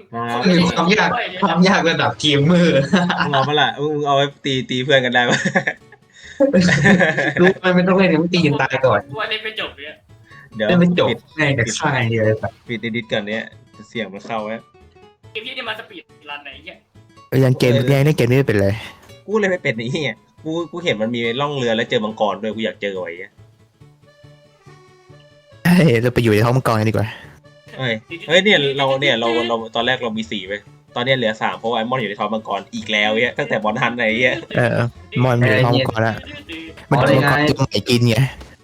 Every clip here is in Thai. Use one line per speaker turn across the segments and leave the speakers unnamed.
ครับ
มีความยากระดับทีมมือ
มึงเอามาละมึงเอาไว้ตีเพื่อนกันได้ปะ
รู้มันไม่ต้องเล่นมันตีกันตายก่อน
ว่าเล่นไม่จบเนี่ย
เดี๋ยว
เล่นไม่จบ
ปิด
แม่งแต่ฆ่าอย่างเดียวเลยสัตว์
ปิดดิสก่อนเนี้ยเสียงมันเข้าไว้
เกมที่นี่มาสปีดรันไหนเงี้ย
ยังเกมยังเล่นเกมนี้ไม่เป็นเลย
กูเลยไม่เป็นนี่ไงกูเห็นมันมีล่องเรือแล้วเจอมังกรด้วยกูอยากเจอไว้
เฮ้ยเราไปอยู่ในท้องมังกรกันดีกว่า
เฮ้ยเนี่ยเราตอนแรกเรามี4ไปตอนนี้เหลือ3เพราะว่าไอมอนอยู่ในท้องมังกรอีกแล้วเนี่ยตั้งแต่บอลทันไหนเนี่ย
มอนอยู่ในท้องมังกรแล้วมันโดนมังกรตัวใหม่กินไง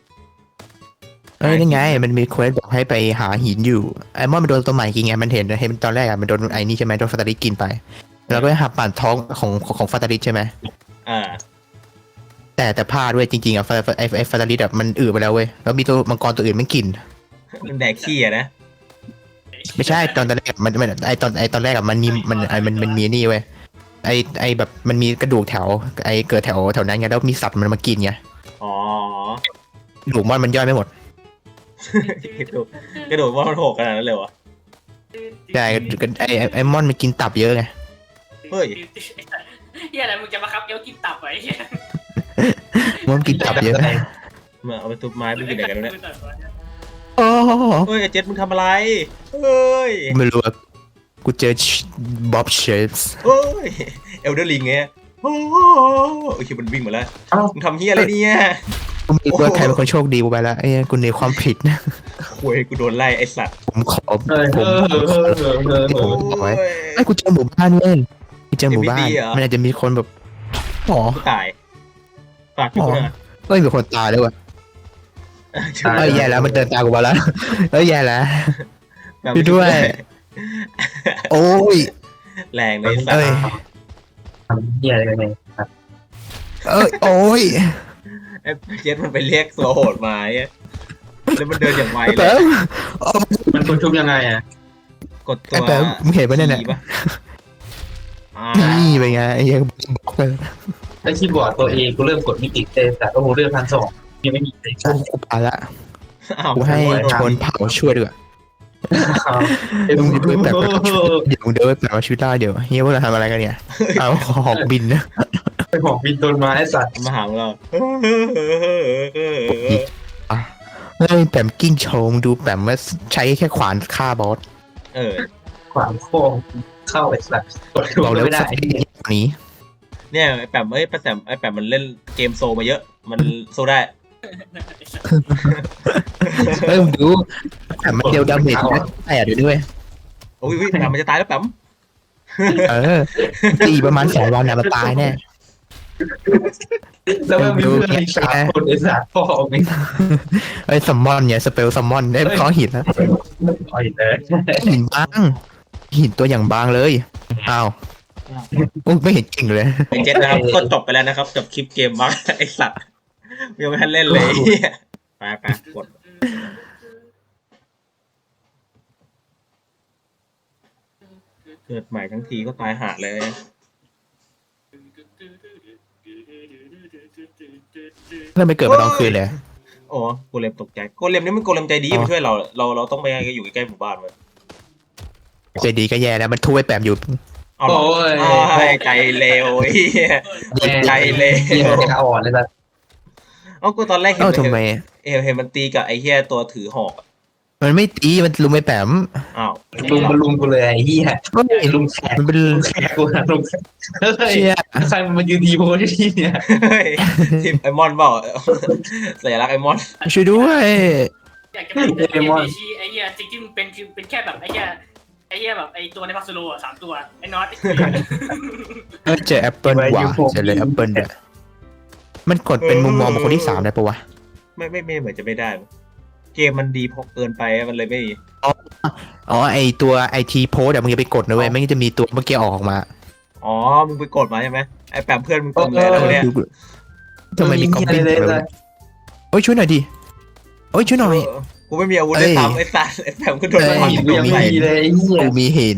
นี่ไงมันมีเควสบอกให้ไปหาหินอยู่ไอมอนมันโดนตัวใหม่กินไงมันเห็นตอนแรกมันโดนไอ้นี่ใช่ไหมโดนฟาตาลิสกินไปแล้วก็หับปั่นท้องของฟาตาลิสใช่ไหม
อ่า
แต่พลาดด้วยจริงๆไอฟาตาลิสมันอืดไปแล้วเว้ยแล้วมีตัวมังกรตัวอื่นมันกิน
มันแดกขี้อะนะ
ไม่ใช่ตอนแรกมันตอนแรกมันมีนี่เว้ยไอแบบมันมีกระดูกแถวเกิดแถวนั้นไงแล้วมีสัตว์มันมากินไง
อ๋อก
ระดูกมันย่อยไม่หมด
กระโดดว่ามันโหกขนาดนั้นเลยวะ
ใช่ไอมอนมันกินตับเยอะไง
เฮ้ย
เฮียอะไรมึงจะมาคับเอลกินตับไว้เฮีย
มันกินตับเยอะ
มาเอาไปทุบไม้ไปกินไหนกันเนี่ย
โอ้
เฮ้ยไอ้เจ็ดมึงทำอะไรเฮ้ย
ไม่รู้อะกูเจอบ๊อบเชฟส์
เฮ้ยเอลเดอร์ลิงไงโอ้โหโอเคมันวิ่งมาแล้วมึงทำเฮียอะไรเนี่ย
กูไม่รู้ว่าใครเป็นคนโชคดีกูไปแล้วไอ้กูในความผิดนะ
คุยกูโดนไล่ไอ้สัตว์
ผมขอ
เออ
ผม บอกไว้ ไอ้กูเจอหมู่บ้านเว้ยกูเจอหมู่บ้านมันอาจจะมีคนแบบอ๋อ
กูตายฝากกูด้วย
เฮ้ยมีคนตายด้วยว่ะเอ้ยแย่แล้วมันเดินตามกูมาแล้วเอ้ยแย่แล้ว ด้วย โอ้ย
แรงเลยสัต
เอ้ย
ว์
ทำเหี้ยอะไรกันเนี่ย
เอ้ยโอ้ย
ไอ้เจ็ดมันไปเรียกตัวโหดมาไอ้แล้วมันเดินอย่างไวเล
แป๊
ย
บ
มันคุณชุบยังไงอ่ะ
กดตัว
แป๊บมึงเห็นปะเนี่ย
ขี่ปะอ่า
นี่เป็นไงไอ้เหี้ยังบอกเลย
ถ้าคีย์บอร์ดตัวเองกูเริ่มกดไม่ติดเลยแต่โอ้โหเรื่อง1,200ยังไม่มีเลย
กูไปละ
อ้าว
กูให้คนเผาช่วยด้วยมึงเดินแบบเดี๋ยวมึงเดินแบบว่าชีวิตได้เดี๋ยวเฮียพวกเราทำอะไรกันเนี่ยเอาหอกบินนะ
ไปหอกบินต้นไม้สัตว์
มาหาเรา
เฮ้ยแปมกิ้งโชว์มึงดูแปมว่าใช้แค่ขวานฆ่าบอส
เออ
ขวางโค้งเข้าไอ้สัตว์กดถูก
บอกเลย
ไม่
ว่า
ได้
ใช้นี้
เนี่ยไอ้แปมไอ้แปมมันเล่นเกมโซมาเยอะ มันโซได้
เฮ้ยมึงดูแปมมันเดียวดาเมจนะแต่เดี๋ยวด้วย
โอ้ยแปมมันจะตายแล้วแปม
ตีประมาณ2 วันนะมันตายแน่
แล้วมันมีเพื่อนอีก3 คนไอ้สัตว์พ่อไม่
เอ้ยซัมมอนเนี่ยสเปลซัมมอนได้ก้อนหินแล้ว
ต่อยเลย
หินบางหินตัวอย่างบางเลยอ้าวอุ๊ยไม่เห็นจริงเลย
ไอ้เจ็ดนะครับก็จบไปแล้วนะครับจบคลิปเกมบักไอ้สัตว์ยังไม่ทันเล่นเลยไปกดเกิดใหม่ทั้งทีก็ตายหาเลย
เพื่อนไปเกิดมาตอนคืนเลย
โอ้โกเลมตกใจโกเลมนี่มันโกเลมใจดีมันช่วยเราต้องไปอยู่ใกล้หมู่บ้านเลย
ใจดีก็แย่แล้วมันทุบไอ้แปมอยู่
เอาหรอใจเลวใจเล
เหี้ยว จะอ่อนเลยสัตว์
เอากูตอนแรกเห็
เอ้าน ทำไม
เห็นมันตีกับไอ้เหี้ยตัวถือหอก
มันไม่ตีมันลุมไอ้แปม
อ้าว
ลุมกูเลยไอ้เหี้ย
เฮ้ย
ลุมแขก
มันเป็น
ลุมแขกกูนะลุมแขกเฮ้ย
เชี่ย
ใครมันมายืนดีโพสที่เนี่ย
ทีมไอมอนเปล่าสัญลักษณ์ไอมอน
ช่วยด้วย
อยากจะเป็นเอชีไอ้เฮียจริงๆเป็นแค่แบบไอ้เฮียแบบไอ้ตัวในพัสโลอ่ะ3 ตัวไอ้น็อต
เจอแอปเปิลว่ะเจอเลยแอปเปิลเนี่ยมันกดเป็นมุมมองของคนที่3ได้ปะวะ
ไม่เหมือนจะไม่ได้ เกมมันดีพอเกินไปมันเลยไม่
อ๋อไอตัวไอทีโพสอะมึงอย่าไปกดนะเว้ยไม่งั้นจะมีตัวเมื่อกี้ออกมา
อ๋อมึงไปกดมาใช่ไหมไอแปมเพื่อนมึงเต็มเลยแล้วเนี่ย
ทำไมมีกอปปี้เลยโอ้ยช่วยหน่อยดิโอ้ยช่วยหน่อย
กูไม่มีอาวุธได้ทำไอ้สัสไอแปมก็โดนมัน
หินยังไม่มีเลยไอ้เหี้ย
กูมีหิน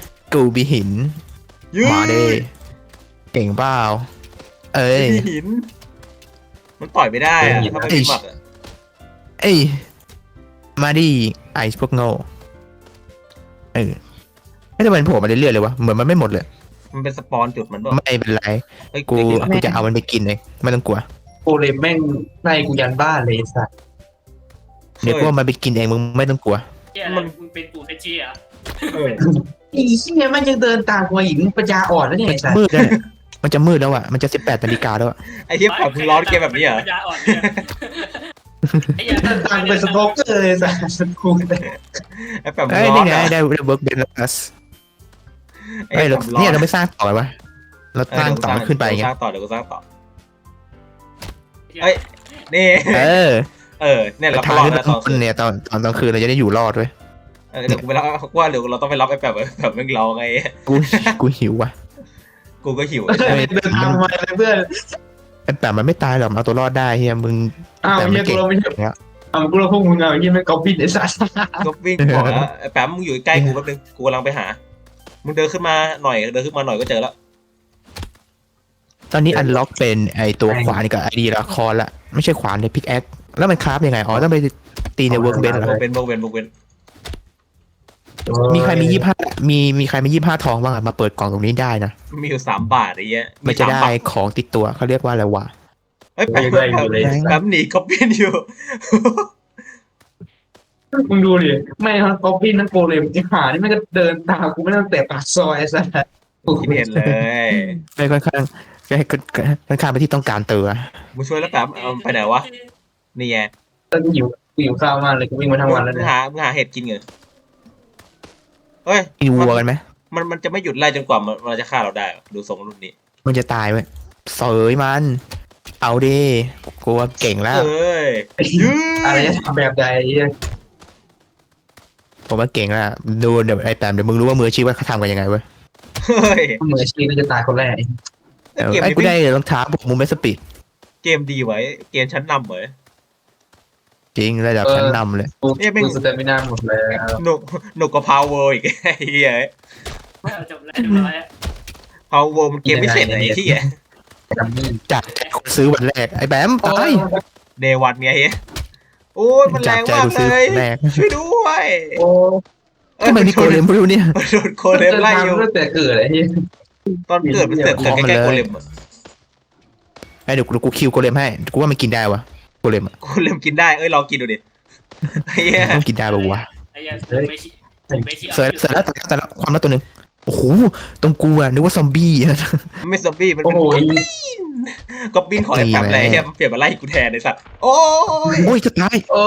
มาเด้เก่งเปล่าเอ้ย
หิน มันต่อยไม่ได้อะถ้าไม่มีหมัด
เอ้ยมาดิไอซ์พวกโง่ไม่ได้มันโผล่มาเรื่อยๆเลยวะเหมือนมันไม่หมดเลย
มันเป็นสปอนจุดมันบอก
ไม่เป็นไร
เฮ้ย
กู
ได้ยินแล้ว
จะเอามันไปกินเองไม่ต้องกลัว
โกเลมแม่งไล่กูยันบ้านเลยสัตว์
เดี๋ยวกูเอามันไปกินเองมึงไม่ต้องกลัว
เฮียอะไรมึงเป็นปู่เทชีอ่ะ
เออ
อีเหี้ยมันยังเดินตามกูมาอีกมึงปัญญาอ่อนแล้วเนี่ย
มัน
ไอ้
จะ
สัตว์
มืดแล้วเนี่ยมันจะมืดแล้วอ่ะมันจะ18 นาฬิกาแล้วอะ
ไอ้เหี้ยแบบมึงร้อนเกมแบบนี้เหรอ
ปัญญาอ่อนเนี่ยไอ้เหี้ย
เดินตามกูเป็นสโตอกเกอร์เลยสัตว์กู
ไอ้แบบมึง
เอ้ย
ร้อ
นี่
น
ไง
อะ
ได้เวิร์กเบนลัส
ไอ้
เอ้ย
แบ
เรา
บร้อ
เนี่ย
น
เราไม่สร้างต่อวะเราสร้างต่อมันขึ้นไปไง
เดี๋ยวกูสร้างต่อเดี๋ยวกูสร้างต่อเอ้ยนี่
เออ
เนี่ยเราก็
ทาง
รอด
ที่
แล้วตอน
มันเนี่ยตอนกลางคืนเราจะได้อยู่รอดด้วย
เดี๋ยวกูไปรับว่าเดี๋ยวเราต้องไปรับไอ้แบบแม่งร้องไง
กูหิวว่ะ
กูก็หิว
เดินตามมาเลยเพื่อน
ไอ้แบบมันไม่ตายหรอกเอาตัวรอดได้เฮียมึง
อ้าว
แต่
เหี้
มั
ย
น
กู
เก่ง
เราไม่ใช่
เนี่ย
อ้าวกูเราพวกมึงเอาไอ้เหี้ยแม่งก๊อปปี้ไอ้สัตว์
ก็วิ่งบอกแล้วไอ้แป๊มมึงอยู่ใกล้กูแป๊บนึงกูกำลังไปหามึงเดินขึ้นมาหน่อยก็เจอแล้ว
ตอนนี้อันล็อกเป็นไอตัวขวานกับไอดีละครละไม่ใช่ขวานในพิกแอคแล้วมันคราฟยังไงอ๋อต้องไปตีในเวิร์กเบนเหรอ
โบเป็น
มีใครมีมีใครมี25 ทองบ้างอะมาเปิดกล่องตรงนี้ได้นะ
มีอยู่3 บาทไอ้เงี้ย
มันจะได้
3 บาท
ของติดตัวเขาเรียกว่าอะไรวะ
เฮ้ยแป๊มหนีก็เป็นอยู่
มึงดูดิไม่ทั้งก๊อปปี้ทั้งโกเลมไอ้ห่านี่มันก็เดินตามกูไม่ตั้งแต่ปากซอยไอ้สัตว์
คิดเห็นเลย
ไม่ค่อนข้างค่อนข้างไปนที่ต้องการเตือ
มึงช่วยแล้วแป๊มเอาไปไหนวะนี่ไง
ตอนหิวข้าวมากเลยกูวิ่งมาทั้งวันแล้ว
มึ
เนี่
ง
ย
หาเห็ดกินเหรอเฮ้ย
กินวัวกันไหม
มันจะไม่หยุดไล่จนกว่ามันจะฆ่าเราได้ดูทรงรุ่นนี้
มันจะตายไหมเสยมันเอาดิกลัวเก่งแล้ว
เอ้ย
อะไรจะทำแบบใดเหี้ย
ผมว่าเก่งแล้วดูเดี๋ยวไอแปมเดี๋ยวมึงรู้ว่ามืออาชีพว่าเขาทำกันยังไงเว้ย
เฮ้ย
มืออาชีพก็จะตายคนแรก
เกม
ไอ้
นี้
กูได้รองเท้าพวกมึงไม่สปีด
เกมดีไว้เกมชั้นนำเหรอ
จริงระดับชั้นนำเลย
กูสเตมินาหมดแล้ว
หนุกกว่าพาวเวอร์อีกไอ้เหี้ย
จบแล้วเรียบร้อย
พาวเวอร์มันเกมพิเศษไหนที่
ดัมมี่
จากใจคนซื้อวันแรกไอ้แบมตาย
เดวันไงโอ้ยมันแร
จาก
ง
ใจ
มาก
คน
เล
ซื้อย วันแรก
ช่วยด้วย
โอ้
ทำไมมีโกเลมไม่รู้เนี่ย
โดนโกเลมไล่อยู่
ตั้งแต่เกิดไอ้ที่
ตอนเกิดมันเสือกเกิดใกล้ๆโกเลมอะ
ไอ้เดี๋ยวกูคิวโกเลมให้กูว่ามันกินได้วะโกเลมอะ
โกเลมกินได้ลองกินดูดิไอ้เหี้ย
มันกินได้ปะวะ
ไอ้เหี้ยไม่ชี้ไม่ชี้
เสร็จแล้วแต่ละความลับตัวหนึ่งโอ้โหตรงกูอะนึกว่าซอมบี้
มันไม่ซอมบี้มัน
โอ้
เป็น
โห
ก๊อบบินของไอ้แป๊บเลยเหี้ยมันเปลี่ยนมาไล่กูแทนไอ้สัตว์โอ้ย
โอ้ยจะตาย
โอ้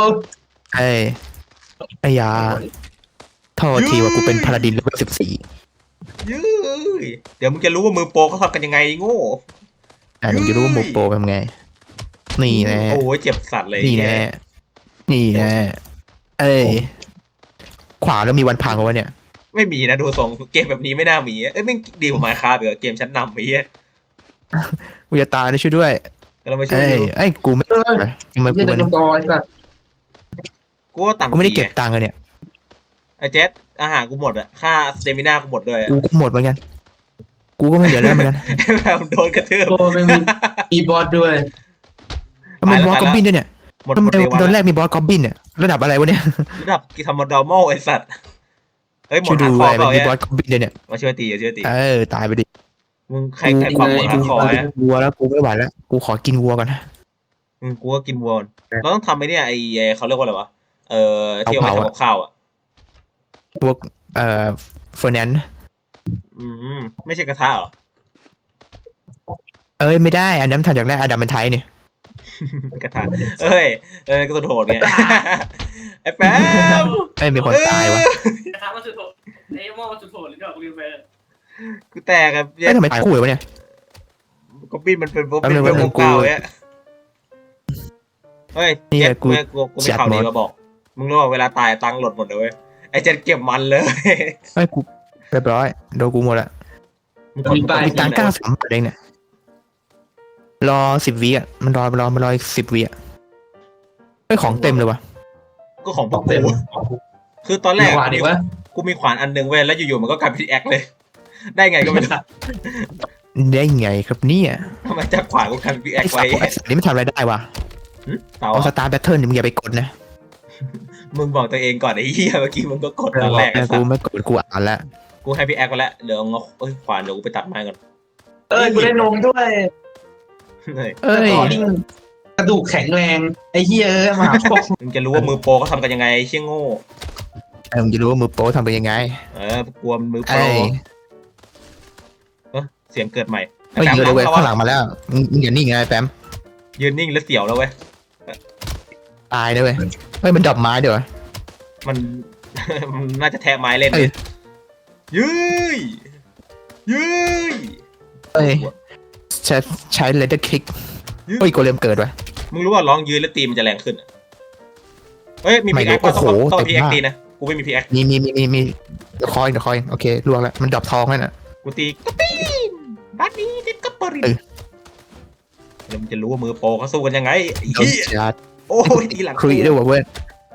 ไอ้ยาโทษทีว่ากูเป็นพาราดินเลเวล
ยื้ยเดี๋ยวมึงจะรู้ว่ามือโปรเขาทำกันยังไงโง่
14มึงจะรู้ว่าโมโปเป็นไงนี่แน่
โอ้ยเจ็บสัตว์เลย
นี่แน่นี่แน่เอ้ยขวาแล้วมีวันพังวะเนี่ย
ไม่มีนะดูทรงเกมแบบนี้ไม่น่ามีเอ้ยไม่ดีกว่ามาคาเบอเกมชั้นนำไอ้เหี้ย
กูจะตายนะช่วยด้วย
เราไม่ช่วย
เอ้ยกูไม่ทำไม
ยี่
กู
เดิ
มัน
นต่อไอ้สัตว์
กูว่าต่ำ
กูไม่ได้เก็บตังค์เลยเนี่ย
ไอ้เจ็ดอาหารกูหมดอะค่าสเตมินากูหมดด้วย
กูก็หมดเหมือนกันกูก็ไม่เหลือแล้วเหมือนกัน
แบบโดนกระทืบ
โอ้ไม่มีอีบอสด้วย
ทำไมบอสกอบบินด้วยเนี่ย
หมด
ทำ
ห
ไม
มดเลย
ตอน
วัน
แรกมีบอสกอบบินเนี่ยระดับอะไรวะเนี่ย
ระดับกิธรรมดอร์มอลไอ้สัตว์เฮ้ยหม
ช่ว
ด
ยดู
หาคอ
ไอ้
เปล่า
มี
เนี่ย
บอสกอบบินเนี่ย
มาช่วยตีช่วยตี
ตายไปดิ
มึงใครความหมดหาคอเนี่ย
วัวแล้วกูไม่ไหวแล้วกูขอกินวัวก่อนนะ
กูก็กินวัวเราต้องทำไอ้เนี่ยไอ้เขาเรียกว่าอะไรวะที่เอาไว้ทำกับข้าวอ่ะ
พวกเฟอร์นันด์
ไม่ใช่กระทะเหรอ
เอ้ยไม่ได้อันนั้นทำจากแรกอดัมเป็นไทยเนี่ย
กระทะเอ้ยก็สุดโหดเนี่ยไอ้แป๊บ
เอ้ยมีคนตายวะ
กระทะมันสุดโหดไอ้หม้อมันสุดโหดหรือเปล่ากูลืมไป
กูแตกครับ
เอ้ยทำไมตายคู่เลยวะเนี่ย
ก็ปิ้นมันเป็น
แป๊บนึง
เป็น
แป๊บนึ
ว
ง
งเก่าเนี่ยเฮ้ย
นี่ไง
เจ็ด
กู
กูมีข่าวดีมาบอก มึงรู้ว่าเวลาตายตังค์หล่นหมดเลยเว้ยไอ้เจ็ดเก็บมันเลย
เอ้ยกูเรียบร้อยโดนกูหมดละ
มึงกด
มีตังค์93 บาทเองเนี่ยรอ10 วิอ่ะมันรออีก10 วิอ่ะเอ้ยของเต็มเลยวะ
ก็ของพวก
เต็ม
กูคือตอนแรก
หวานดีวะ
กูมีขวานอันหนึงเว้ยแล้วอยู่ๆมันก็กลายเป็นแอคเลย ได้ไงก็ไม่รู้
ได้ไงครับเนี่ย
ทำไมจับขวานกูกลายเป็นแอ
ไอ้
ค
สั
ไว้
ตว์ไอ้สัตว์นี่มันทำอะไรได้วะ
เต่า
เอาสตาร์แบทเทิลมึงอย่าไปกดนะ
มึงบอกตัวเองก่อนไอ้เหี้ยเมื่อกี้มึงก็กดตอนแรก
กูไม่กดกูอ่านละ
กูกูให้พี่แอคไปแล้วเดี๋ยวเอาขวานเดี๋ยวกูไปตัดไม้ก่อน
กูได้นมด้วย
เฮ้ย
เอ้ย
ต่อนี่กระดูกแข็งแรงไอ้เหี้ยมาหาพ่อ
มึงจะรู้ว่ามือโปรเขาทำกันยังไงไอ้เชี่ยโง่
มึงจะรู้ว่ามือโป๊ทำเป็นยังไง
กลัวมือโปร
ไอ้
เสียงเกิดใหม่
เฮ้ย
แปม
เยอะเลยเว้ย
เข้า
ข้างหลังมาแล้วมึงอย่านิ่งไงไอ้แปม
ยืนนิ่งแล้วเสียวแล้วเว้ย
ตายเลยเว้ยเฮ้ยมันดรอปไม้เดี๋ยว
มัน มันน่าจะแทะไม้เล่น
เอ้ย
ยืยยืย
เฮ้ยใช้เลเดอร์คิกเฮ้ยโกเลมเกิดวะ
มึงรู้ว่าร้องยืนแล้วตีมันจะแรงขึ้นอะเฮ้ยมีพีแอค
โอ้โห
ต้องพีแอค
เต็มมาก
ตีนะกูไม่มีพีแอค
มีเดี๋ยวคอยโอเคล่วงแล้วมันดรอปทองแล้วน่ะ
กูตีกระปีนบัดนี้ติดกระปริน
เออ
แล้วมึงจะรู้ว่ามือโปรเขาสู้กันยังไงไอ้
โดน
เหี้ย
ชาร์จ
โอ้ยทีหลัง
ครีด้วยวะเว้ย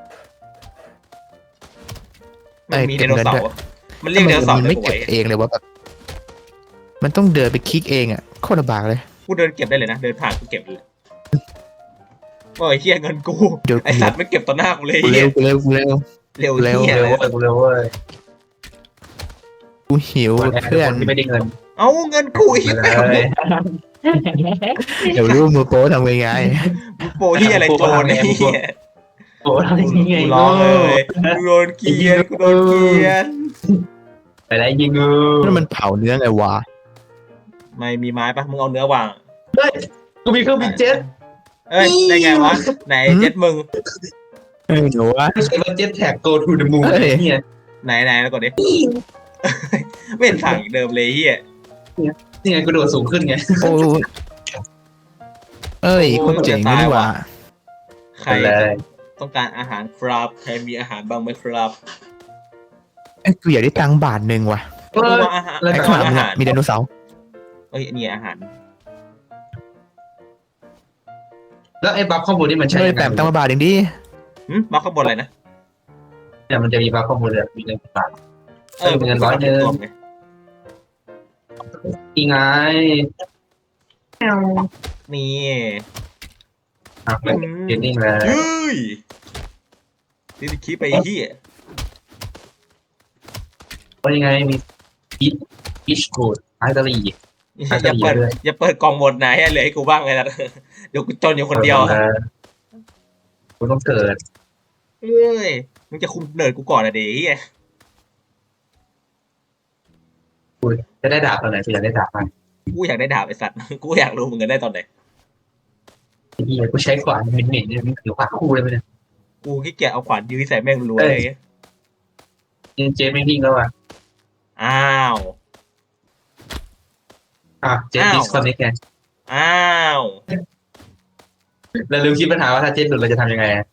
มันมี
เอ้
ได
ย
โนเสา
เก็บเงินด้
ร์
วย
มันเรียกไดโนเสาร์
มัน
เล
ไม่
ยกู
เก็บ
ไว้
เองเลยว่าแบบมันต้องเดินไปคลิกเองอ่ะโคตรลำบากเลย
กูเดินเก็บได้เลยนะเดินผ่านกูเก็บเลยโอ้ยเฮียเงินกู
เดี๋ยว
ไอสัตว์ไม่เก็บต่อหน้ากูเลย
กู
เฮี
เร็
ยว
กูเร็ว
เร็ว
เร็ว
เฮีย
เร็วเว้ยกูเร็วเว้ย
กูหิว
เพื่
เพื่
อ
อน น
ที่ไม่ได้เงิน
เอาเงินกูอีก
เล
แล้ว
ย
เดี๋ยวรู้มือโป๊ทำยังไง
โปรที่อะไรโจรไอ้เหี้ย
โอ้ทำยังไง
กูร้องเลยกูโดนเกลียนกูโดนเกลียน
ไปได้ยิงเออ
นั่นมันเผาเนื้อไงวะ
ไม่มีไม้ปะมึงเอาเนื้อวาง
เฮ้ยกูมีเครื่องบินเจ็ต
เอ้ยได้ไงวะไหนเจ็ดมึง
หนูวะ
ไม่ใช่ว่าเจ็ตแท็ก go to the moon
เฮ้ย
เนี่ย
ไหนแล้วกดดิไม่เห็นสั่งอีกเดิมเลยเฮีย
นี่ไงกูโดดสูงขึ้นไง
โอ้เอ้ยคนเจ๋งนี่หว่า
ใคร
ไปเลย
ต้องการอาหารครับใครมีอาหารบ้างไหมครับ
ไอ้กูอยากได้ตังค์บาทหนึ่งว่ะ
เออ
ว่าอาหาร
แล้ว
ไอ้
แต่
ข้างหลัง
อา
มึง
หา
อะ
ร
มีไดโนเสาร์
เอ้ยนี่อาหาร
แล้วไอ้บัฟข้อมูลนี่มันใช้
เฮ้ย
ยังไง
แปมตังค์มาบาทหนึ่งดิ
มาข้างบนอะไรนะ
เนี่ยมันจะมีบัฟข้อมูลแบบมีเงินบาท เป็นเงินร้อยหนึ่ง
ตัวไง
อีไง
นี่
อ่ะมันเก็นนิ่งเลย
ยืยนี่คิดไปที่
ว่ายังไงมีพีชกูดไอตาลี
อย่าเปิดกล่องหมดไหนเหลือให้กูบ้างเลยนะเดี๋ยวกูจนอยู่คนเดียว
กูต้องเกิด
เอ้ยมึงจะคุมเนิร์ดกูก่อนอะเดี๋ยว
กูจะได้ดาบตอนไหนกูอยากได้ดาบมัน
กูอยากได้ดาบไอสัตว์ กูอยากรู้มึงกันได้ตอนไหน
ไอ้เหี้ยกูใช้ขวานเหม็นๆเนี่ยมันถือขวานคู่เลยมั้ยเนี่ย
กูขี้เกียจเอาขวานยื้อใส่แม่งรัวๆเลย
เจไม่วิ่งแล้วอ่ะ
อ้าว
เจดิสคอนเนคไง
อ้าว
เราลืมคิดปัญหาว่าถ้าเจหลุดเราจะทำยังไง